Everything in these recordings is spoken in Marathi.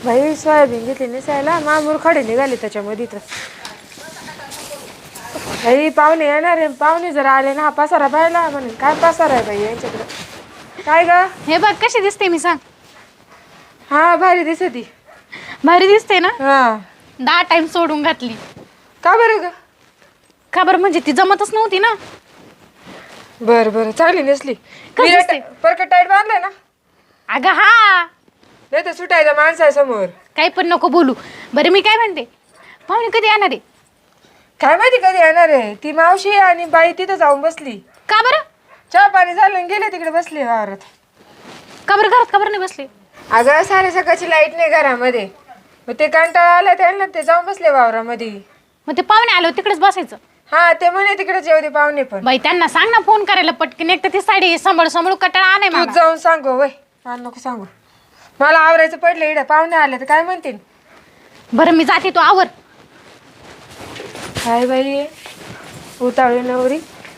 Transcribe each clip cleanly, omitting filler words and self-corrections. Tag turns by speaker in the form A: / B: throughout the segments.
A: भाई सोयाबीन घेतली निसायला मामूर खडे निघाले त्याच्यामध्ये तर भाई पाहुणे येणार आहे. पाहुणे जर आले ना हा पसारा पाहिला म्हणून काय पसारा आहे बाई यांच्याकडे. काय ग
B: हे बघ कशी दिसते मी सांग.
A: हा भारी दिसती.
B: भारी दिसते ना.
A: हा
B: 10 टाइम सोडून घातली.
A: का बरं ग.
B: का बरं म्हणजे ती जमतच नव्हती ना.
A: बर बर चांगली नेसली.
B: दिसते?
A: परकट टाईट बांधलाय ना.
B: अगं हा
A: नाही तर सुटायचं माणसासमोर.
B: काही पण नको बोलू. बरं मी काय म्हणते पाहुणे कधी येणार आहे.
A: काय माहिती कधी येणार आहे. ती मावशी आणि बाई तिथं जाऊन बसली.
B: का बरं.
A: चहा पाणी झालं आणि गेले तिकडे बसले वावरात.
B: का बरं घरात का बरं नाही बसले.
A: अगं सारे सकाळची लाईट नाही घरामध्ये. मग ते कंटाळा आला त्यांना ते जाऊन बसले वावरामध्ये.
B: मग ते पाहुणे आलो तिकडेच बसायचं.
A: हा ते म्हणे तिकडे जेव दे पाहुणे पण.
B: बाई त्यांना सांग ना फोन करायला पटकन. एक तर ती साडी सांभाळू कटाळा आलाय
A: तू
B: मला.
A: जाऊन सांगू वय. मला नको सांगू. मला आवरायचं पडलं इकडे पाहुणे आले तर काय म्हणतील.
B: बरं मी जाते तू आवर.
A: काय बाई उतावळी नवरी.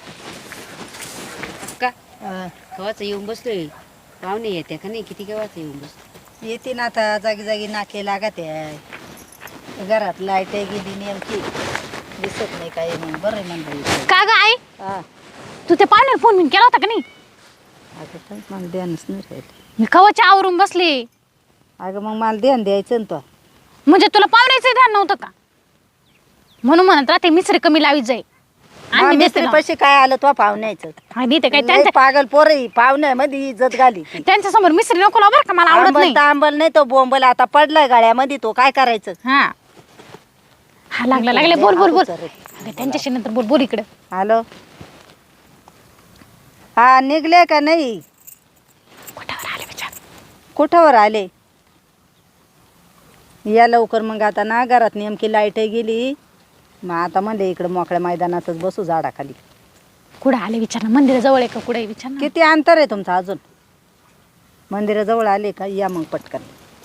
C: का केव्हाच येऊन बसलोय. पाहुणे येते का नाही किती केव्हाच येऊन बसलो.
D: येते ना आता जागी जागी नाके लागत आहे. घरात लाईट गेली नेमकी दिसत नाही काय मग बरं म्हणलं.
B: का ग आई
D: हा
B: तू त्या पाहुण्याला फोन केला होता का नाही.
D: अगं काय मला ध्यानच नाही राहिलं.
B: मी कवाच्या आवरून बसले.
D: अगं मग मला ध्यान द्यायचं ना तो.
B: म्हणजे तुला पाहुण्याचं ध्यान नव्हतं का. म्हणून म्हणत राहते मिसरी कमी लावीत जाई. आणि
D: मिस्त्री पैसे काय आलं तो पाहुण्याचं.
B: देते काय
D: लय
B: त्यांच्या
D: पागल पोरही पाहुण्यामध्ये इज्जत घाली ती.
B: त्यांच्या समोर मिसरी नको लाव बरं का मला आवडत
D: आंबल
B: नाही.
D: तर आंबल नाही तो बोंबल आता पडलाय गाड्यामध्ये तो काय करायचं.
B: हा हा लागले बोल बोल बोल. अगं, त्यांच्याशी नंतर बोल बोल इकडे.
D: हॅलो हा निघले का नाही.
B: कुठावर आले विचार.
D: कुठावर आले या लवकर. मग आता ना घरात नेमकी लाईट गेली. मग आता म्हणले इकडं मोकळ्या मैदानातच बसू झाडाखाली.
B: कुठं आले विचार ना. मंदिराजवळ आहे का कुठे विचार ना.
D: किती अंतर आहे तुमचं अजून. मंदिराजवळ आले का या मग पटकन.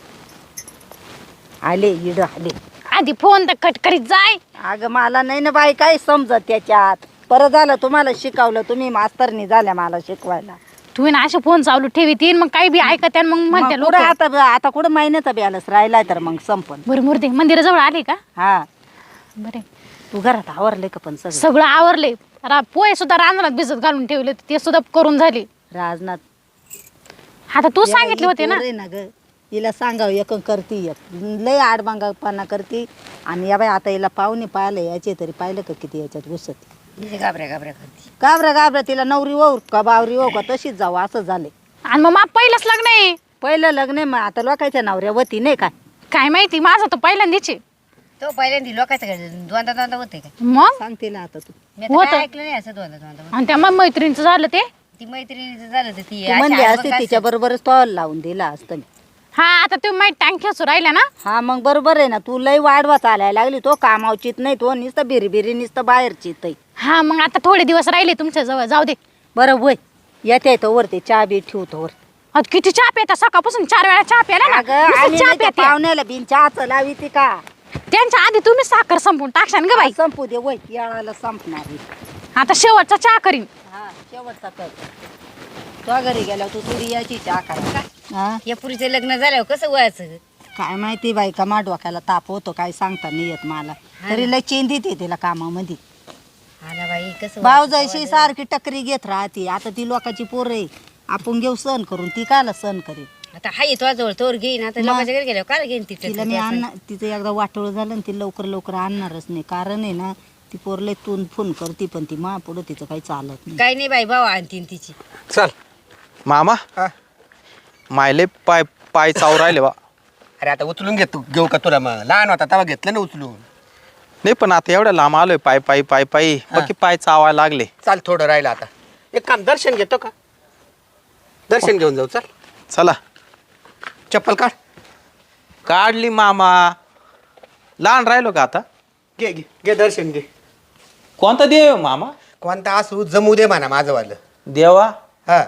D: आले इड आले.
B: आधी फोन तर कट करीत जाय.
D: अगं मला नाही ना बाई काही समजत त्याच्यात. परत झालं तुम्हाला शिकवलं तुम्ही मास्तरनी झाल्या मला शिकवायला.
B: तुम्ही ना असे फोन चालू ठेवीतीन मग काही बी ऐकत आणि मग म्हणते
D: मग
B: लोक.
D: कुठं आता आता कुठं महिन्याचा बॅलन्स राहिलाय तर मग संपन.
B: बरं मुर्दे मंदिराजवळ आले का.
D: हा
B: बरे
D: तू घरात आवरले का पण सगळं.
B: सगळं आवरले. पोहे सुद्धा रांजणात भिजत घालून ठेवले ते सुद्धा करून झाले.
D: राजनाथ
B: आता तू सांगितले होते ना.
D: ना ग हिला सांगावं एक करती एक लय आडबांगापणा करती. आणि या बाई आता हिला पाहुणे पाहिले याचे तरी पाहिलं का किती याच्यात घुसत.
C: घाबऱ्या करते.
D: घाबऱ्या तिला नवरी होऊ का बावरी होऊ का तशीच जाऊ असं झाले.
B: आणि मग पहिलंच लग्न आहे.
D: पहिलं लग्न आहे मग आता लोकांच्या नवऱ्यावती नाही काय.
B: काय माहिती माझं तर पहिल्यांदाचे.
C: तो पहिल्यांदा लोकांचं द्वंदा होते का.
B: मग
D: सांग तिला आता तू.
C: मी आता
B: होतं.
C: काय ऐकलं नाही असं द्वंदा.
B: आणि त्या मग मैत्रिणीचं झालं ते.
C: ती मैत्रिणीचं झालं तर ती
D: तू म्हणली असते तिच्या बरोबरच स्टॉल लावून दिला असतं मी.
B: हा आता तुम्ही माहिती टँक खेचू राहिल्या ना.
D: हा मग बरोबर आहे ना. तू लय वाढवा चालायला लागली. तो कामावचीत नाही तो नुसतं बिरी नुसतं बाहेरचीत.
B: हा मग आता थोडे दिवस राहिले तुमच्या जवळ जाऊ दे.
D: बरं वय येते तो वरती चहा बी ठेवतो वर.
B: आता किती चहा प्याता सकाळपासून 4 वेळा चहा प्याला ना.
D: अगं
B: नुसतं
D: आणि
B: चहा
D: नाही त्या
B: प्यात्या.
D: पाहुण्याला बिन चहाच लावी ती का.
B: त्यांच्या आधी तुम्ही साखर संपून टाकशान ग बाई.
D: संपू दे वय याळाला संपणार आहे.
B: आता शेवटचा चहा करीन.
D: हा शेवटचा कर. तो घरी गेल्यावर तू थोडी याची चहा करा. हा
C: या पुरीचं लग्न झाल्यावर कसं वयाचं.
D: काय माहिती बाई का मा डोक्याला ताप होतो काय सांगता नाही येत मला. तरी लय चेंदी ते तिला कामामध्ये.
C: हा ना बाई कसं
D: भाऊजाईशी सारखी टकरी घेत राहते. आता ती लोकांची पोरं आहे आपण घेऊ सहन करून ती कायला सहन करेल.
C: आता हाय तो जवळ तोर घेईन. आता लोकांच्या घरी गेल्यावर काय घेईन
D: तिला मी आणणार तिचं एकदा वाटोळ झालं ना ती लवकर आणणारच नाही. कारण आहे ना ती पोरले तून फोन करते पण ती मा पुढं तिचं काही चालत नाही.
C: काही नाही बाई भाऊ आणतीन तिची.
E: चल मामा मायले पाय पाय चाव राहिले बा.
F: अरे आता उचलून घेऊ का तुला. मग लहान होता तेव्हा घेतलं ना उचलून.
E: नाही पण आता एवढ्या लांब आलोय पाय पायी बाकी पाय चावायला लागले.
F: चाल थोडं राहिलं आता. एक काम दर्शन घेतो का. दर्शन घेऊन जाऊ चल.
E: चला
F: चप्पल काढ.
E: काढली मामा. लहान राहिलो का आता.
F: घे घे घे दर्शन घे.
E: कोणता देव मामा.
F: कोणता असू जमू दे म्हणा माझं वालं.
E: देवा
F: हा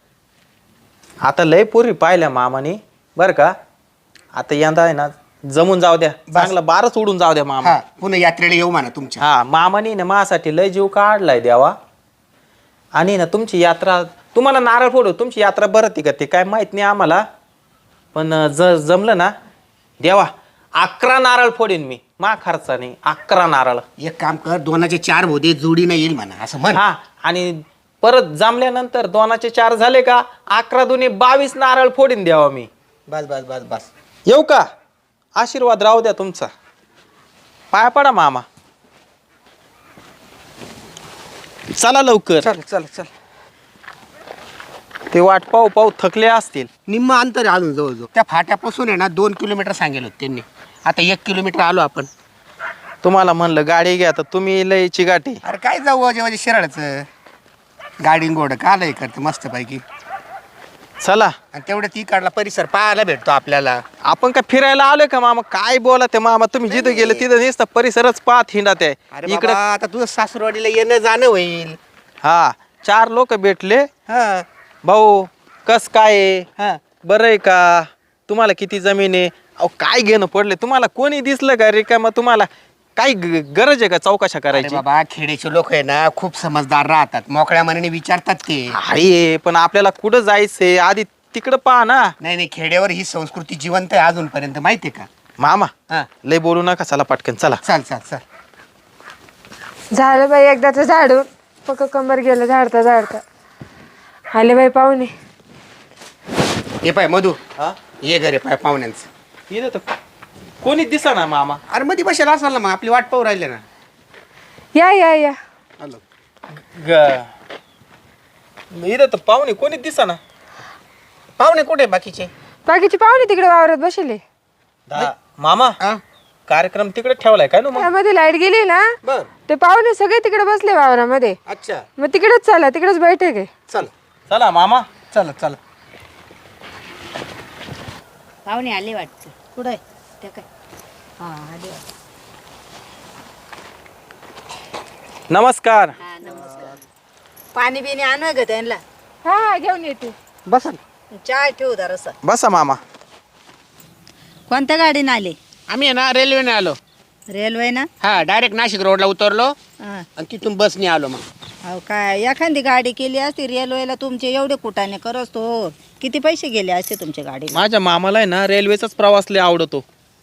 E: आता लय पोरी पाहिल्या मामानी बरं का. आता यंदा आहे ना जमून जाऊ द्या. चांगला बारच उडून जाऊ द्या मामा.
F: हा पुन्हा यात्रेला येऊ म्हणा तुमच्या.
E: हा मामानी ना माझ्यासाठी लय जीव काढलाय देवा. आणि ना तुमची यात्रा तुम्हाला नारळ फोडू तुमची यात्रा बरं ती का ते काय माहित नाही आम्हाला. पण जमलं ना देवा 11 नारळ फोडीन मी मा खर्चाने 11 नारळ.
F: एक काम कर, 2चे 4 भोदे जोडीनं येईल म्हणा असं म्हण.
E: हा आणि परत जमल्यानंतर 2चे 4 झाले का 11 दुने 22 नारळ फोडीन द्यावा मी.
F: बस बस बस बस.
E: येऊ का? आशीर्वाद राहू द्या तुमचा. पाया पडा मामा. चला लवकर.
F: चल चल चल.
E: ते वाट पाहू पाहू थकले असतील.
F: निम्म अंतर आहे अजून जवळजवळ. त्या फाट्यापासून आहे ना 2 किलोमीटर सांगेल होते त्यांनी. आता 1 किलोमीटर आलो आपण.
E: तुम्हाला म्हणलं गाडी घ्या तर तुम्ही लयची गाठी.
F: अरे काय जाऊ अजय शिराळचं गाडी घोडं का आलंय करते मस्त पैकी.
E: चला
F: आणि तेवढ्या ती काढला परिसर पाहायला भेटतो आपल्याला.
E: आपण काय फिरायला आलोय का मामा? काय बोला ते मामा, तुम्ही जिथं गेले तिथं नुसतं परिसरच पाहत हिंडात आहे
F: अरे
E: इकडं.
F: बाबा, आता तुझं सासरवाडीला येणं जाणं होईल.
E: हा 4 लोक भेटले.
F: हा
E: भाऊ कस काय आहे?
F: हा.
E: बरं आहे का? तुम्हाला किती जमीन आहे? अहो काय घेणं पडले तुम्हाला? कोणी दिसलं का रे? का मग तुम्हाला काही गरज आहे का चौकशा
F: अरे
E: करायची?
F: बाबा, खेड्याचे लोक आहे ना खूप समजदार राहतात, मोकळ्या मनाने विचारतात ते.
E: आहे पण आपल्याला कुठं जायचंय आधी तिकडं पहा ना.
F: नाही नाही, खेड्यावर ही संस्कृती जिवंत आहे अजूनपर्यंत, माहितीये का?
E: मामा
F: हा.
E: लय बोलू नका, चला पटकन चला.
F: चल चल चल.
A: झालं बाई एकदाच झाडून. पक्क कंबर गेलं झाडता झाडता. आले बाई पाहुणे.
F: हे पाय मधू,
E: हा
F: ये घरे पाय पाहुण्यांचं.
E: इथं तर कोणीच दिसा ना मामा.
F: अरे मध्ये बसेला असाल ना, मग आपली वाट पाहू राहिले ना.
A: या या या.
F: आलो.
E: इथं तर पाहुणे कोणीच दिसा ना.
F: पाहुणे कुठे बाकीचे?
A: बाकीचे पाहुणे तिकडे वावरात बसले.
E: मामा
F: हा?
E: कार्यक्रम तिकडे ठेवलाय काय ना मग?
A: त्यामध्ये लाईट गेली ना,
F: बर.
A: ते पाहुणे सगळे तिकडे बसले वावरामध्ये.
F: अच्छा.
A: मग तिकडेच चला, तिकडेच बैठक आहे.
F: चल
E: चला मामा.
F: चल चल.
C: पाहुणे आले वाटतं.
D: कुठे
C: त्या काय
D: हा आले.
E: नमस्कार.
C: हा नमस्कार.
D: पाणी बिणी आणू ग त्यांना.
A: हा हा घेऊन येते.
F: बस ना.
D: चहा ठेवू जरासा.
E: बसा मामा.
D: कोणत्या गाडीने आले?
F: आम्ही आहे ना रेल्वेने आलो.
D: रेल्वे ना?
F: हा, डायरेक्ट नाशिक रोडला उतरलो
D: हा.
F: आणि तिथून बसने आलो. मग
D: अहो काय एखादी गाडी केली असती रेल्वेला, तुमचे एवढे कुटाने करस तो किती पैसे गेले असते तुमच्या गाडीला?
E: माझ्या मामाला आहे ना रेल्वेचाच प्रवास लय आवडतो.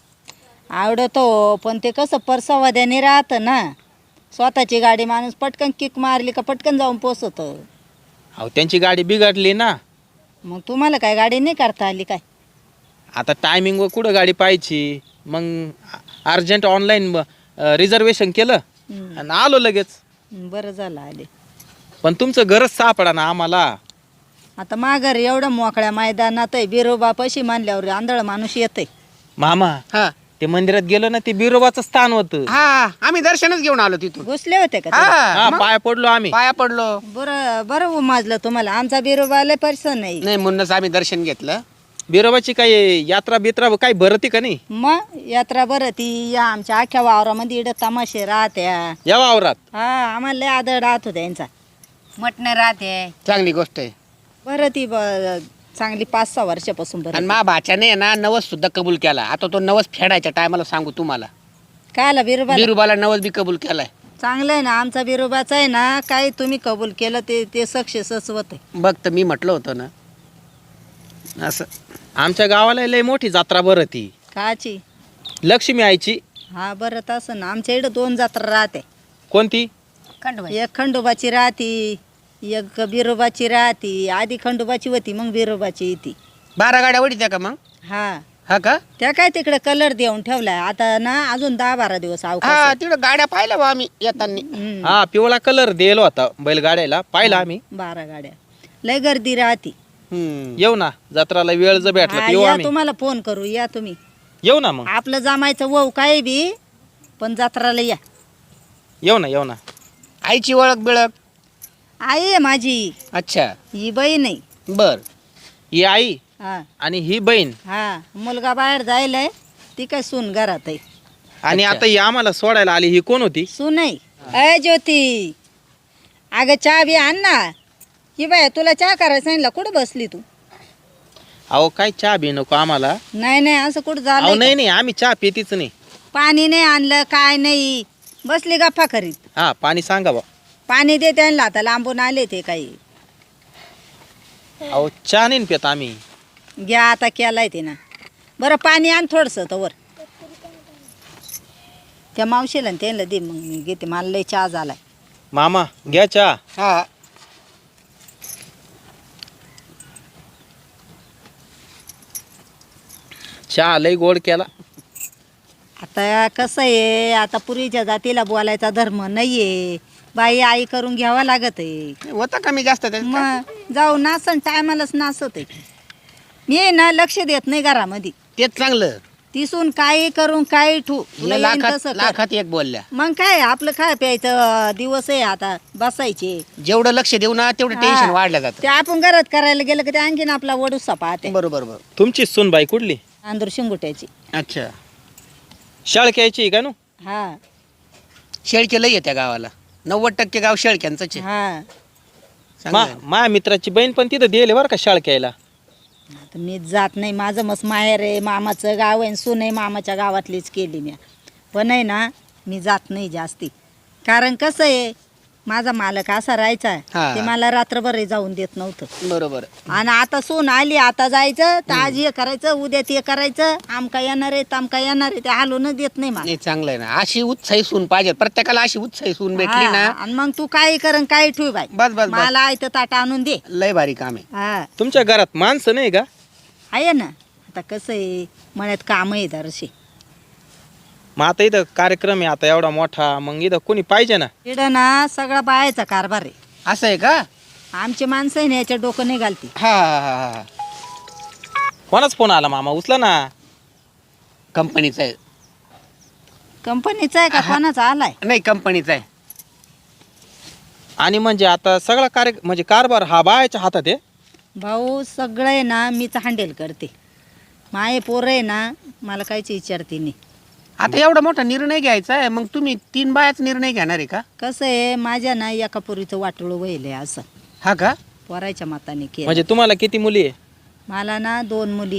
D: आवडतो पण ते कसं परसावाद्याने राहतं ना. स्वतःची गाडी माणूस पटकन किक मारली का पटकन जाऊन पोचत.
E: अहो त्यांची गाडी बिघडली ना.
D: मग तुम्हाला काय गाडी नाही करता आली काय?
E: आता टायमिंगवर कुठं गाडी पाहायची, मग अर्जंट ऑनलाईन रिझर्वेशन केलं आणि आलो लगेच.
D: बरं झालं आले.
E: पण तुमचं घरच सापडा ना आम्हाला.
D: आता माघार एवढं मोकळ्या मैदानात आहे, बिरोबा पशी मानल्यावर आंधळ माणूस येते.
E: मामा
F: हा
E: ते मंदिरात गेलो ना, ते बिरोबाचं स्थान होतं.
F: हा, आम्ही दर्शनच घेऊन आलो तिथून.
D: घुसले होते का ते?
E: हा पाया पडलो आम्ही.
F: पाया पडलो.
D: बरं बरं उमाजलं तुम्हाला. आमचा बिरोबा लय परिसर नाही.
F: नाही म्हणूनच आम्ही दर्शन घेतलं.
E: बिरोबाची काही यात्रा बित्रा काही भरती का नाही?
D: मग यात्रा बरं ती या आमच्या अख्ख्या वावरामध्ये इकडं तमाशे राहत्या.
E: या वावरात
D: हा आम्हाला लय आदर राहत होता यांचा.
C: मटण राहते.
F: चांगली गोष्ट आहे.
D: बरं ती चांगली 5-6 वर्षापासून बरं.
F: आणि मा भाच्याने ना नवस सुद्धा कबूल केला. आता तो नवस फेडायच्या टायमाला सांगू तुम्हाला,
D: काय आला बिरोबा?
F: बिरुबाला नवस बी कबूल केलाय.
D: चांगलं आहे ना, आमचा बिरोबाचा आहे ना, काही तुम्ही कबूल केलं ते सक्सेसच होते.
F: बघ तर मी म्हटलं होतं ना असं.
E: आमच्या गावाला लय मोठी जत्रा भरती.
D: काची?
E: लक्ष्मी आईची.
D: हा बरं तसं ना, आमच्या इकडं 2 जत्रा राहते.
E: कोणती?
C: खंडोबा.
D: एक खंडोबाची राहती, एक बिरोबाची राहती. आधी खंडोबाची होती, मग बिरोबाची येते.
F: 12 गाड्या वडीत्या का मग?
D: हा
F: हा का?
D: त्या काय तिकडे कलर देऊन ठेवलाय आता ना, अजून 10-12 दिवस अवकाश
F: हा,
D: आहे.
F: तिकडं गाड्या पाहिल्या बा आम्ही येताना.
D: हम्म,
E: हा पिवळा कलर दिलो होता बैलगाड्याला, पाहिला आम्ही.
D: 12 गाड्या. लय गर्दी राहती.
E: येऊ ना जत्राला वेळ जर भेटला
D: हा,
E: तर येऊ
D: या
E: आम्ही.
D: तुम्हाला फोन करू, या तुम्ही.
E: येऊ ना मग.
D: आपलं जमायचं वहू काय बी, पण जत्राला या.
E: येऊ ना येऊ ना.
F: आईची ओळख बिळख?
D: आई आहे माझी,
F: अच्छा,
D: ही बहीण आहे.
F: बर.
E: ही आई
D: हा
E: आणि ही बहीण
D: हा, मुलगा बाहेर जायलाय, ती काय सून घरात आहे.
E: आणि
F: अच्छा.
E: आता ही आम्हाला सोडायला आली, ही कोण होती?
D: सून आहे. अय ज्योती, अगं चहा बी आण ना. ही बाय तुला चहा करायला सांगितलं, कुठं बसली तू?
E: अहो काय चहा बी नको आम्हाला.
D: नाही नाही, असं कुठं
E: अहो
D: झालं?
E: नाही नाही आम्ही चहा पितीच नाही.
D: पाणी नाही आणलं, काय नाही, बसली गप्पा करीत.
E: हा पाणी सांगा बा.
D: पाणी दे त्यांना, आता लांबून आले ते काही.
E: अहो चहा नाही पित आम्ही.
D: घ्या आता केलाय ते ना. बरं पाणी आण थोडंसं तवर त्या मावशीला आणि त्यांना दे, मग मी घेते, मला लय चहा झालाय.
E: मामा घ्या चहा.
F: हा
E: चहा लय गोड केला.
D: आता कसं आहे, आता पूर्वीच्या जातीला बोलायचा धर्म नाहीये, बाई आई करून घ्यावा लागत आहे.
F: होतं कमी जास्त त्याच्यात काय?
D: मग जाऊ नासन टायमालाच नासत आहे. मी आहे ना लक्ष देत नाही घरामध्ये,
F: तेच चांगलं.
D: तिसून काही करून काही ठू तुला
F: हिला
D: येईन
F: लाखात
D: तसं कर.
F: लाखात एक बोलल्या.
D: मग काय आपलं काय प्यायचं दिवस आहे, आता बसायचे.
F: जेवढं लक्ष देऊ ना तेवढं
D: हा.
F: टेन्शन वाढलं जातं.
D: ते आपण घरात करायला गेलं की ते आणखीन आपला वडूसा पाहते.
F: बरोबर बरोबर.
E: तुमची सूनबाई कुठली?
D: अंदूर शिंगुट्याची.
F: अच्छा.
E: शाळक्याची का नु?
D: हा
F: शेळके लई आहे त्या गावाला. 90% गाव शेळक्यांचंच आहे.
D: हा
F: चांगलं आहे.
E: माझ्या मित्राची बहीण पण तिथं दिले बरं का शाळक्याला.
D: आता मी जात नाही, माझं मस्त माहेर आहे, मामाचं गाव आहे, सून आहे मामाच्या गावातलीच केली मी. पण आहे ना मी जात नाही जास्ती, कारण कसं आहे माझा मालक असा राहायचा,
F: हा.
D: ते मला रात्रभर जाऊन देत नव्हतं.
F: बरोबर.
D: आणि आता सून आली, आता जायचं तर आज हे करायचं, उद्या ते करायचं, आमका येणार आहे तामका येणार आहे, ते हालूनच देत नाही मला.
F: नाही चांगलं आहे ना. अशी उत्साही सून पाहिजे प्रत्येकाला. अशी उत्साही सून भेटली
D: हा,
F: ना
D: आणि मग तू काही कर काही ठेव बाई,
F: बस बस बस.
D: मला आयतं ताट आणून दे.
F: लय भारी काम आहे.
D: हा
E: तुमच्या घरात माणसं नाही का?
D: आहे ना. आता कसं आहे मळ्यात काम आहे दरशी.
E: मग आता इथं कार्यक्रम आहे आता एवढा मोठा, मग इथं कोणी पाहिजे ना.
D: इकडं ना सगळा बायाचा कारभार आहे.
F: असं आहे का?
D: आमची माणसं आहे ना याच्या डोकं नाही घालती.
F: हा हा हा हा.
E: कोणाच फोन आला मामा? उचला ना.
F: कंपनीचा आहे.
D: कंपनीचा आहे का कोणाचा आलाय?
F: नाही कंपनीचा आहे.
E: आणि म्हणजे आता सगळा म्हणजे कारभार हा बायाच्या हातात आहे.
D: भाऊ सगळं आहे ना मीच हँडल करते. माये पोरं आहे ना मला काहीच विचारते नाही.
F: आता एवढा मोठा निर्णय घ्यायचा आहे, मग तुम्ही 3 बायाच निर्णय घेणार आहे का?
D: कसं आहे माझ्या ना एका पोरीचं वाटोळं वहिले असं
F: हा का?
D: पोराच्या मताने केलं.
E: म्हणजे तुम्हाला किती मुली आहे?
D: मला ना 2 मुली,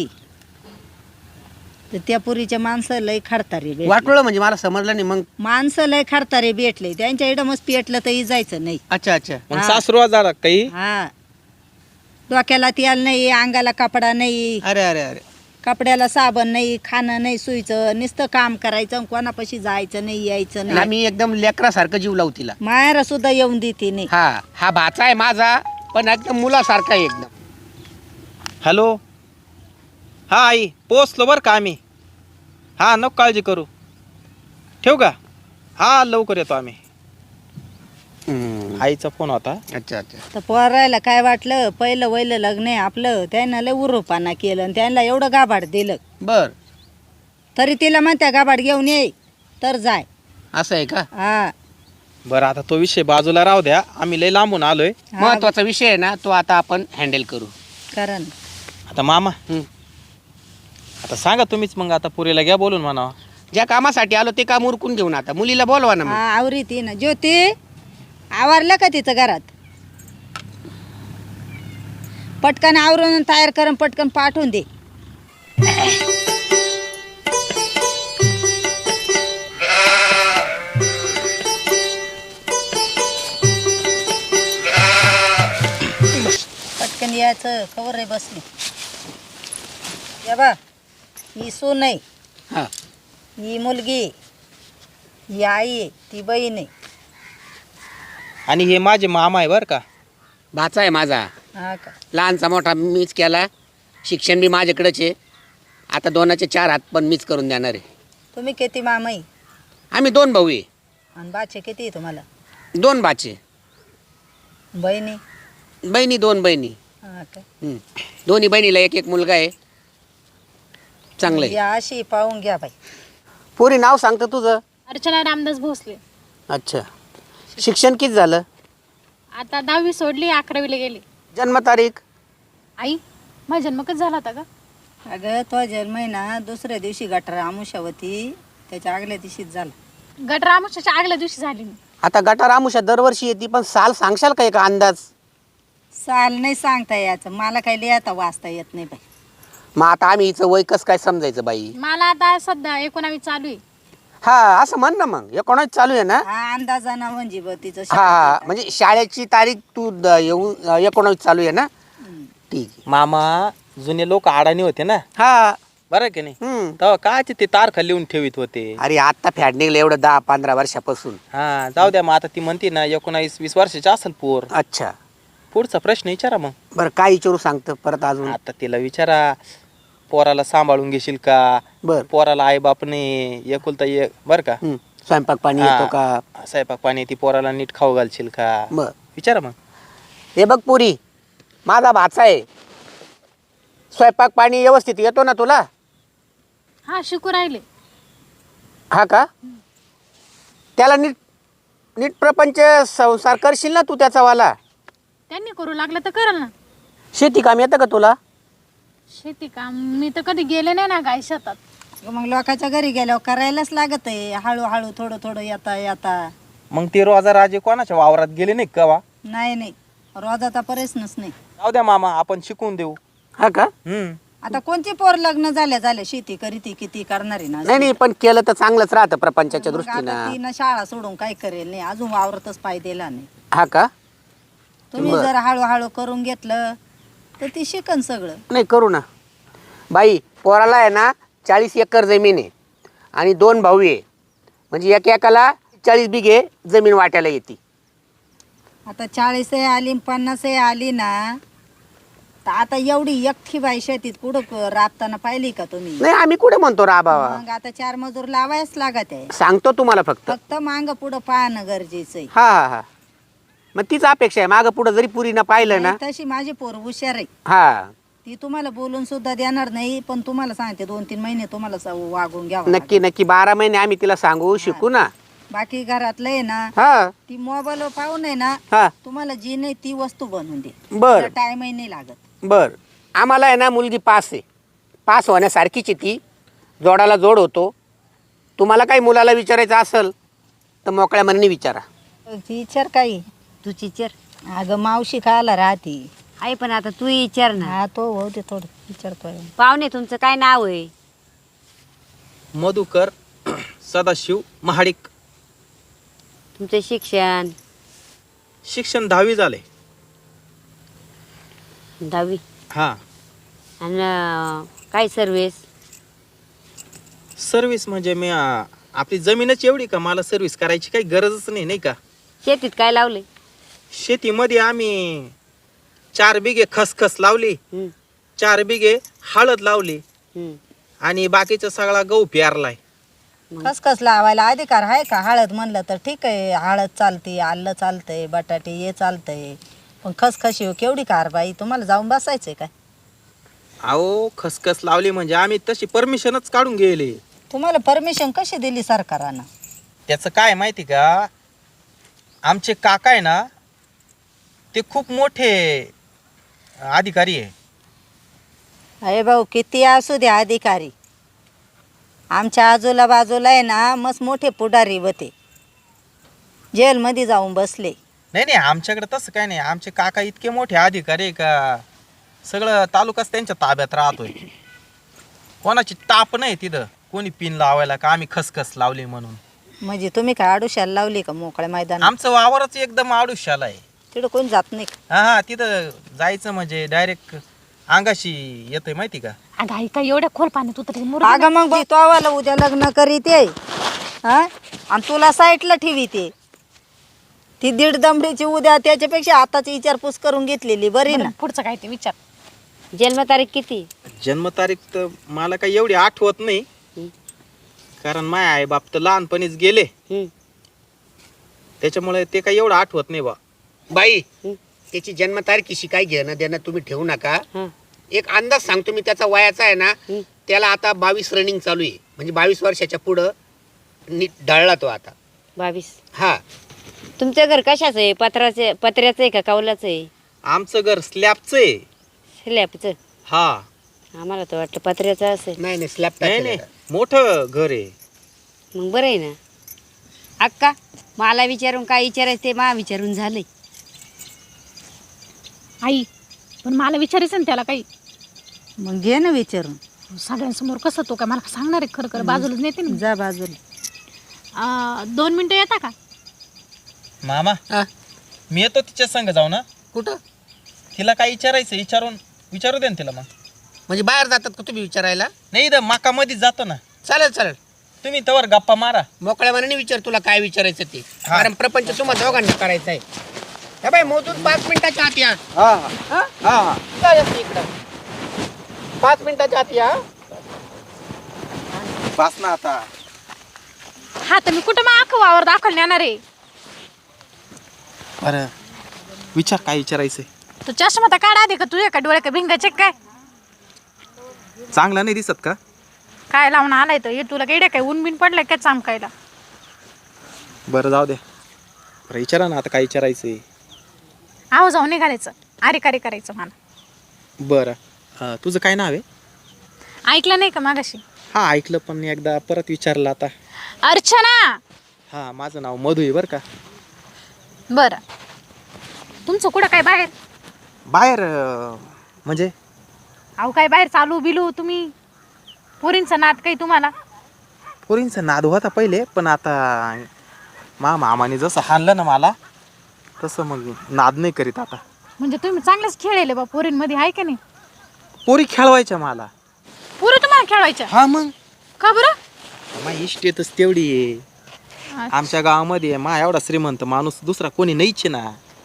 D: तर त्या पुरीच्या माणसं लय खडतारे भेटले.
F: वाटोळं म्हणजे मला समजलं नाही. मग
D: माणसं लय खडतारे भेटले, त्यांच्या इकडं मस्त पेटलं तरी जायचं नाही.
F: अच्छा अच्छा.
E: मग
D: हा.
E: सासरू जरा काही
D: हा डोक्याला तेल नाही, अंगाला कपडा नाही,
F: अरे अरे अरे.
D: कपड्याला साबण नाही, खाणं नाही, सुईचं नुसतं काम करायचं, कोणापाशी जायचं नाही यायचं नाही.
F: आम्ही एकदम लेकरासारखं जीव लावू तिला.
D: मायरा सुद्धा येऊन देते नाही.
F: हा हा भाचा आहे माझा, पण एकदम मुलासारखा आहे एकदम.
E: हॅलो. हा आई पोचलो बरं का आम्ही. हा नको काळजी करू. ठेवू का? हा लवकर येतो आम्ही. आईचा फोन होता.
F: अच्छा अच्छा.
D: तर पोरायला काय वाटलं, पहिलं वहिलं लग्न आहे आपलं, त्यानं लय उरूपाना केलं आणि त्यांना एवढं गाभाड दिलं,
F: बर.
D: तरी तिला म्हणत्या गाभाड घेऊन ये तर जाय.
F: असं आहे का?
D: हा
E: बरं आता तो विषय बाजूला राहू द्या, आम्ही लय लांबून आलोय.
F: महत्वाचा विषय आहे ना, तो आता आपण हँडल करू.
D: कारण
E: आता मामा
F: हं.
E: आता सांगा तुम्हीच मग, आता पुरीला घ्या बोलून म्हणा.
F: ज्या कामासाठी आलो ते काम उरकून घेऊन आता मुलीला बोलवा ना मग.
D: हा आवरी ती ना. ज्योती आवरलं का तिचं घरात? पटकन आवरून तयार करून पटकन पाठवून दे. पटकन यायचं. खबर आहे बसली. या बा ही सून आहे,
F: हा.
D: ही मुलगी, ही आई आहे, ती बहीण आहे.
E: आणि हे माझे मामा आहे बरं का.
F: भाचा आहे माझा.
D: हा का?
F: लहानचा मोठा मीच केला. शिक्षण बी माझ्याकडेच आहे. आता 2चे 4 हात पण मीच करून देणार आहे.
D: तुम्ही किती मामाई
F: आम्ही 2 भाऊ आहे.
D: आणि बाचे किती आहे तुम्हाला?
F: 2 बाचे.
D: बहिणी?
F: बहिणी 2 बहिणी.
D: हा का?
F: दोन्ही बहिणीला एक एक मुलगा आहे. चांगलं आहे.
D: या अशी पाहून घ्या बाई.
F: पोरी नाव सांगतं तुझं?
B: अर्चना रामदास भोसले.
F: अच्छा. शिक्षण किती झालं?
B: आता 10वी सोडली, 11वीला गेली.
F: जन्मतारीख?
B: आई माझा जन्म कधी झाला होता का?
D: अगं तो जन्म आहे ना दुसऱ्या दिवशी गटर आमुषावती, त्याच्या आगल्या दिवशीच झाला.
B: गट रामोशाच्या आगल्या दिवशी झाली मी.
F: आता गटार आमुषा दरवर्षी येते, पण साल सांगशाल का एक अंदाज?
D: साल नाही सांगता यायचं, मला काही लिहिता वाचता येत नाही बाई.
F: मग आता आम्ही हिचं वय कसं काय समजायचं बाई?
B: मला आता सध्या 19वी चालू आहे.
F: हा असं म्हण ना मग. 19 चालू आहे ना?
D: हा अंदाजाना म्हणजे बघ तिचं
F: हा हा. म्हणजे शाळेची तारीख तू येऊन 19 चालू आहे ना? ठीक आहे.
E: मामा जुने लोक अडाणी होते ना,
F: हा
E: बरं की नाही
F: हम्म.
E: तेव्हा कायचे ते तारखा लिहून ठेवीत होते.
F: अरे आत्ता फॅड निघलं एवढं 10-15 वर्षापासून.
E: हा जाऊ द्या, मग आता ती म्हणते ना 19-20 वर्षाची असेल पोर.
F: अच्छा
E: पुढचा प्रश्न विचारा मग.
F: बरं काय विचारू सांगतं परत अजून?
E: आता तिला विचारा, पोराला सांभाळून घेशील का,
F: बर
E: पोराला आई बापने एकुलता एक बर का,
F: स्वयंपाक पाणी
E: हा.
F: येतो का?
E: स्वयंपाक पाणी ती पोराला नीट खाऊ घालशील का,
F: बर
E: विचारा मग.
F: हे बघ पुरी, माझा भाचा आहे, स्वयंपाक पाणी व्यवस्थित येतो ना तुला?
B: हा शिकू राहिले.
F: हा का? त्याला नीट नीट प्रपंच संसार करशील ना तू त्याचा वाला?
B: त्यांनी करू लागलं तर करल ना.
F: शेती काम येतं का तुला?
B: शेती काम मी तर कधी गेले नाही ना गाय शेतात.
D: मग लोकांच्या घरी गेल्यावर करायलाच लागत आहे, हळूहळू थोडं थोडं येता येता.
E: मग ते रोजा राजे कोणाच्या वावरात गेले नाही का वा?
D: नाही नाही, रोजाचा प्रश्नच नाही.
E: जाऊ द्या मामा, आपण शिकवून देऊ.
F: हा का?
D: आता कोणती पोर लग्न झाल्या शेती करीती किती करणारी ना.
F: नाही नाही, पण केलं तर चांगलंच राहतं प्रपंचाच्या
D: मग आता
F: दृष्टीनं.
D: तिनं शाळा सोडून काय करेल नाही, अजून वावरतच पाय दिला नाही.
F: हा का?
D: तुम्ही
F: बरं.
D: जर हळूहळू करून घेतलं तर ती शिकन सगळं.
F: नाही करू ना बाई. पोराला आहे ना 40 एकर जमीन आहे आणि 2 भाऊ आहे, म्हणजे एकाला 40 बिघे जमीन वाट्याला येते.
D: आता 40 आली 50 आली ना, तर आता एवढी एकटी बाई शेतीत कुठं राबताना पाहिली का तुम्ही?
F: नाही आम्ही कुठे म्हणतो राबावा,
D: मग आता 4 मजूर लावायच लागत आहे.
F: सांगतो तुम्हाला फक्त.
D: फक्त मांग पुढं पाहणं गरजेचं आहे.
F: हा हा हा, मग तीच अपेक्षा आहे. मागं पुढं जरी पुरीनं पाहिलं ना.
D: नाही, तशी माझी पोर हुशार आहे.
F: हा
D: ती तुम्हाला बोलून सुद्धा देणार नाही, पण तुम्हाला सांगते 2-3 महिने तुम्हाला वागून घ्यावं
F: नक्की
D: लागेल.
F: नक्की 12 महिने आम्ही तिला सांगू शिकू ना.
D: बाकी घरातलं आहे ना,
F: हा
D: ती मोबाईल पाहून आहे ना,
F: हा
D: तुम्हाला जी नाही ती वस्तू बनवून दे.
F: बर
D: टाइमही नाही लागत.
F: बर. आम्हाला आहे ना मुलगी पास आहे, पास होण्यासारखीच आहे ती, जोडाला जोड होतो. तुम्हाला काही मुलाला विचारायचं असेल तर मोकळ्या मनाने विचारा.
D: विचार काही.
C: तू विचार.
D: अगं मावशी खायला राहते.
C: आहे पण आता तू विचार ना.
D: हा तो हो ते थोडं विचारतोय.
C: पाहुणे तुमचं काय नाव आहे?
E: मधुकर सदाशिव महाडिक.
C: तुमचं शिक्षण?
E: शिक्षण 10वी झाले.
C: 10वी.
E: हा.
C: आणि काय सर्विस?
E: सर्व्हिस म्हणजे मी आपली जमीनच एवढी का मला सर्व्हिस करायची काही गरजच नाही, नाही का.
C: शेतीत काय लावले?
E: शेतीमध्ये आम्ही 4 बिघे खसखस लावली, 4 बिघे हळद लावली आणि बाकीचा सगळा गहू पेरलाय.
D: खसखस लावायला अधिकार आहे का? हळद म्हणलं तर ठीक आहे, हळद चालते, आलं चालतंय, बटाटे हे चालतंय, पण खसखशी केवढी कारबाई? तुम्हाला जाऊन बसायचंय काय?
E: अहो खसखस लावली म्हणजे आम्ही तशी परमिशनच काढून गेले.
D: तुम्हाला परमिशन कशी दिली सरकारानं?
E: त्याचं काय माहिती का, आमचे काका आहे ना ते खूप मोठे अधिकारी आहे.
D: अरे भाऊ किती असू दे अधिकारी, आमच्या आजूला बाजूला आहे ना मस्त मोठे पुढारी होते, जेलमध्ये जाऊन बसले.
E: नाही नाही, आमच्याकडे तसं काय नाही. आमचे काका इतके मोठे अधिकारी आहे का सगळं तालुकाच त्यांच्या ताब्यात राहतोय. कोणाची ताप नाही तिथं, कोणी पिन लावायला का आम्ही खसखस लावली म्हणून.
D: म्हणजे तुम्ही काय आडुशाला लावली का मोकळ्या मैदान?
E: आमचं वावरच एकदम आडुशाला आहे.
D: तिकडं कोणी जात नाही का?
E: हा हा, तिथं जायचं म्हणजे डायरेक्ट अंगाशी येतंय माहिती का.
B: अगं आई काय एवढ्या खोल पाण्यात उतरली
D: अगं मग तो आवाला उद्या लग्न करीत आहे हा, आणि तुला साईटला ठेवीते ती 1.5 दमडीची उद्या, त्याच्यापेक्षा आताची विचारपूस करून घेतलेली बरी ना.
B: पुढचं काय ते विचार.
C: जन्मतारीख किती?
E: जन्मतारीख तर मला काही एवढी आठवत नाही, कारण माय आई बाप तर लहानपणीच गेले, त्याच्यामुळे ते काही एवढं आठवत नाही बा.
F: बाई त्याची जन्मतारखेशी काय घेणं देणं तुम्ही ठेवू नका. एक अंदाज सांगतो मी त्याचा वयाचा आहे ना, त्याला आता 22 रनिंग चालू आहे, म्हणजे 22 वर्षाच्या पुढं नीट ढळला तो आता.
C: 22.
F: हा.
C: तुमचं घर कशाचं आहे? पत्र्याचं आहे का कौलाचं आहे?
E: आमचं घर स्लॅबचं आहे.
C: स्लॅबचं?
E: हा.
C: आम्हाला तर वाटलं पत्र्याचं असेल.
F: नाही नाही स्लॅब
E: नाही नाही, मोठं घर आहे.
C: मग बरं आहे ना. अक्का मला विचारून काय विचारायचं ते मा विचारून झालंय.
B: आई पण मला विचारायचं ना त्याला काही.
D: मग घे ना विचारून.
B: सगळ्यांसमोर कसं तो काय मला सांगणार आहे? खरं खरं बाजूलाच नेते ना.
D: जा बाजूला.
B: 2 मिनिटं येता का?
E: मामा मी येतो तिच्या संग जाऊ ना.
F: कुठं?
E: तिला काय विचारायचं विचारू दे ना तिला. मग
F: म्हणजे बाहेर जातात का तुम्ही विचारायला?
E: नाही इथं मका मध्येच जातो ना.
F: चालेल चालेल,
E: तुम्ही तवर गप्पा मारा.
F: मोकळ्या मनाने विचार तुला काय विचारायचं ते.
E: हा.
F: कारण प्रपंच तुम्हाला दोघांना करायचा आहे. हे बाई मोजून 5 मिनिटाच्या आत या.
E: हा
F: हा?
E: हा हा.
F: काय असते इकडं? 5 मिनिटाच्या आत या.
E: बस ना आता.
B: हा तर मी कुठं मग अख्खं वावर दाखवून येणार आहे.
E: बरं विचार काय विचारायचंय.
B: तू चष्मा तर काढा दे का तुझ्या का डोळे का भिंगाचे काय
E: चांगला नाही दिसत का?
B: काय लावून आलाय तर हे तुला काय काय ऊन बिन पडलंय काय चमकायला.
E: बरं जाऊ दे. बरं विचारा ना आता काय विचारायचंय.
B: आहो जाऊन निघालायचं अरे कार्य करायचं मला.
E: बरं तुझं काय नाव आहे?
B: ऐकलं नाही का मागाशी?
E: हा ऐकलं पण एकदा परत विचारलं आता.
B: अर्चना.
E: हा माझं नाव मधू आहे बरं का.
B: बरं तुमचं कुठं काय बाहेर?
E: बाहेर म्हणजे
B: अहो काय बाहेर चालू बिलू तुम्ही पोरींचा नाद काही तुम्हाला?
E: पोरींचा नाद होता पहिले पण आता मामाने जसं हाणलं ना मला तसं मग नाद नाही करीत आता.
B: म्हणजे तुम्ही चांगलेच खेळले बा पोरींमध्ये आहे का नाही?
E: पोरी खेळवायच्या मला.
B: पोरी तुम्हाला खेळवायच्या?
E: हा मग
B: का बरं?
E: माझी इस्टेटच तेवढी आहे आमच्या गावामध्ये. मा एवढा श्रीमंत माणूस दुसरा कोणी नाहीच ना.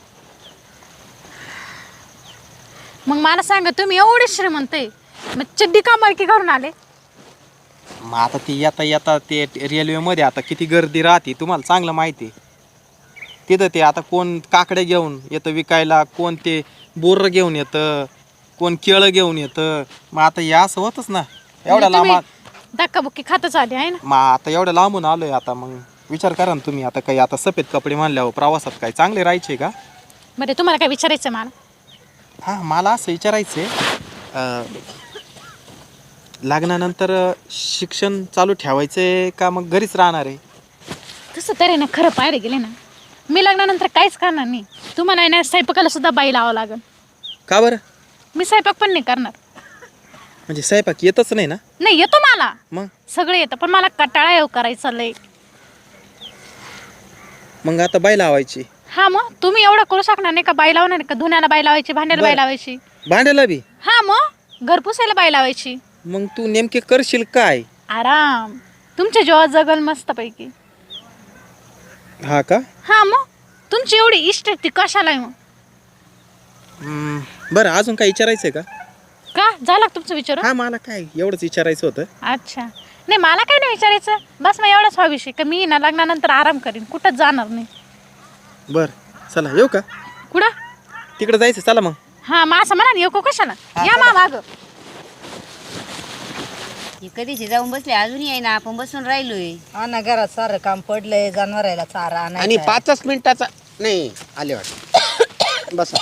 B: मग मला सांगा तुम्ही एवढे श्रीमंत आहे मग चड्डी का मळकी घालून आले?
E: मग आता ती येता येता ते रेल्वेमध्ये आता किती गर्दी राहते तुम्हाला चांगलं माहिती आहे. तिथं ते आता कोण काकडे घेऊन येतं विकायला, कोण ते बोर्र घेऊन येतं, कोण केळं घेऊन येतं. मग आता या असं होतच ना एवढ्या लांब.
B: धक्काबुक्की खातच आले आहे ना.
E: मग आता एवढ्या लांबून आलोय आता मग विचार करा ना तुम्ही. आता काही आता सफेद कपडे म्हणल्यावर प्रवासात काय चांगले राहायचे का?
B: बरं तुम्हाला काय विचारायचं मला?
E: हां मला असं विचारायचं आहे लग्नानंतर शिक्षण चालू ठेवायचंय का मग घरीच राहणार आहे?
B: तसं तरी ना खरं पाहायला गेले ना मी लग्नानंतर काहीच करणार नाही. तुम्हाला ना स्वयंपाकाला सुद्धा बाई लावावं लागेल.
E: का बरं?
B: मी स्वयंपाक पण नाही करणार.
E: म्हणजे स्वयंपाक येतच नाही ना?
B: नाही येतो मला
E: मग
B: सगळं येतं पण मला कटाळा येऊ करायचा लय.
E: मग आता बाई लावायची.
B: हा मग तुम्ही एवढं करू शकणार नाही का? बाई लावणार का? धुण्याला बाई लावायची, भांड्याला बाई
E: बरं.
B: लावायची.
E: भांड्याला बी?
B: हा मग घर पुसायला बाई लावायची.
E: मग तू नेमके करशील काय?
B: आराम तुमच्या जेव्हा जगल मस्त पैकी.
E: हा का?
B: हा मग तुमची एवढी इष्ट ती कशाला आहे मग?
E: बरं अजून काय विचारायचंय का?
B: का झालं का तुमचं विचार?
E: हा मला काय एवढंच विचारायचं होतं.
B: अच्छा नाही मला काही नाही विचारायचं. बस मग एवढाच हा विषय का मी ना लग्नानंतर आराम करीन कुठंच जाणार नाही.
E: बरं चला येऊ का?
B: कुठं?
E: तिकडे जायचं चला मग.
B: हा मग असं म्हणा येऊ कशाला? या मा माग.
C: हे कधीचे जाऊन बसले अजूनही आहे ना आपण बसून राहिलोय.
D: हा ना घरात सारं काम पडलंय जनावरायला चारा
F: आणि
D: आणायचा.
F: 5च मिनिटाचा नाही आले वाटत. बसा.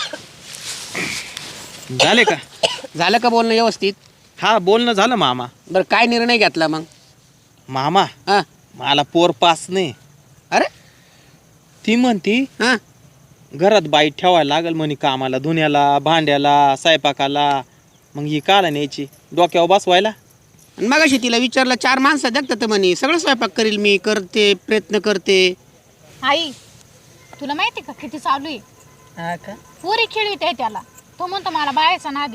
E: झाले का?
F: झालं का बोलणं व्यवस्थित?
E: हा बोलणं झालं मामा.
F: बरं काय निर्णय घेतला मग?
E: मामा
F: हा
E: मला पोर पास नाही.
F: अरे
E: ती म्हणती
F: हा
E: घरात बाई ठेवायला लागल म्हणे कामाला, धुण्याला, भांड्याला, स्वयंपाकाला. मग ही काला न्यायची डोक्यावर बसवायला.
F: मग अशी तिला विचारलं 4 माणसं देखतात म्हणे सगळं स्वयंपाक करील मी, करते प्रयत्न करते.
B: आई तुला माहिती का किती चालू आहे?
D: हा का?
B: पुरी खेळीत आहे त्याला. तो म्हणतो मला बायाचा नादी.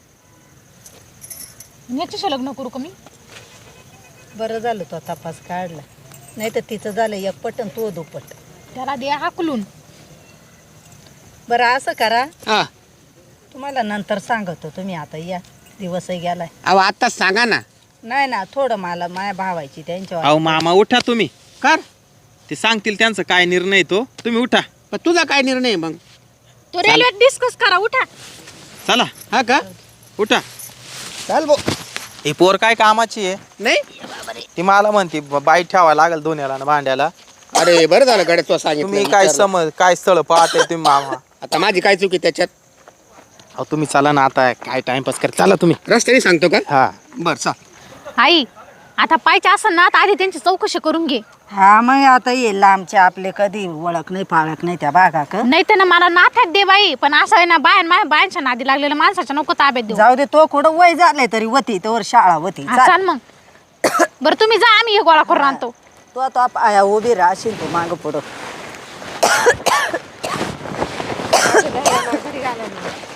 B: याच्याशी लग्न करू का मी?
D: बरं झालं तो तपास काढला. नाही तर तिचं झालं एक पट आणि तो दुपट.
B: त्याला दे हाकलून.
D: बरं असं करा
F: हा
D: तुम्हाला नंतर सांगतो. तुम्ही आता या दिवसही गेलाय.
F: अहो आत्ताच सांगा ना.
D: नाही ना थोडं मला माया भावायची त्यांच्यावर.
E: अहो मामा उठा तुम्ही.
F: कर.
E: ते सांगतील त्यांचं काय निर्णय तो. तुम्ही उठा.
F: पण तुझा काय निर्णय आहे मग?
B: तो रेल्वेत डिस्कस करा उठा.
E: चला
F: हा का?
E: उठा.
F: चाल बो.
E: ही पोर काय कामाची आहे?
F: नाही
E: ती मला म्हणते बाई ठेवायला लागल धुण्याला आणि भांड्याला.
F: अरे बरं झालं गड्या तू सांगितलं.
E: तुम्ही काय
F: विचारलं.
E: समज काय स्थळ पाहते तुम्ही मामा.
F: आता माझी काय चुकी त्याच्यात?
E: अहो तुम्ही चला ना आता काय टाइमपास कर. चला तुम्ही.
F: रस्त्याने सांगतो का?
E: हा
F: बरं चा.
B: आई आता पाहिजे असं ना तर आधी त्यांची चौकशी करून घे.
D: हा मग आता ये लांबचे आपले कधी ओळख नाही पाळख नाही त्या बागा का.
B: नाही तर ना मला नाथात दे बाई. पण असं आहे ना बायांच्या नादी लागलेल्या माणसाच्या नको ताब्यात देऊ.
D: जाऊ दे तो कुठं वय झालंय तरी होती तोवर शाळा होती.
B: हा, चाल मग. बरं तुम्ही जा आम्ही हे गोळा करून आणतो.
D: तो आता पाया उभी राहशील तू माग पुढं.
A: घरी घालायला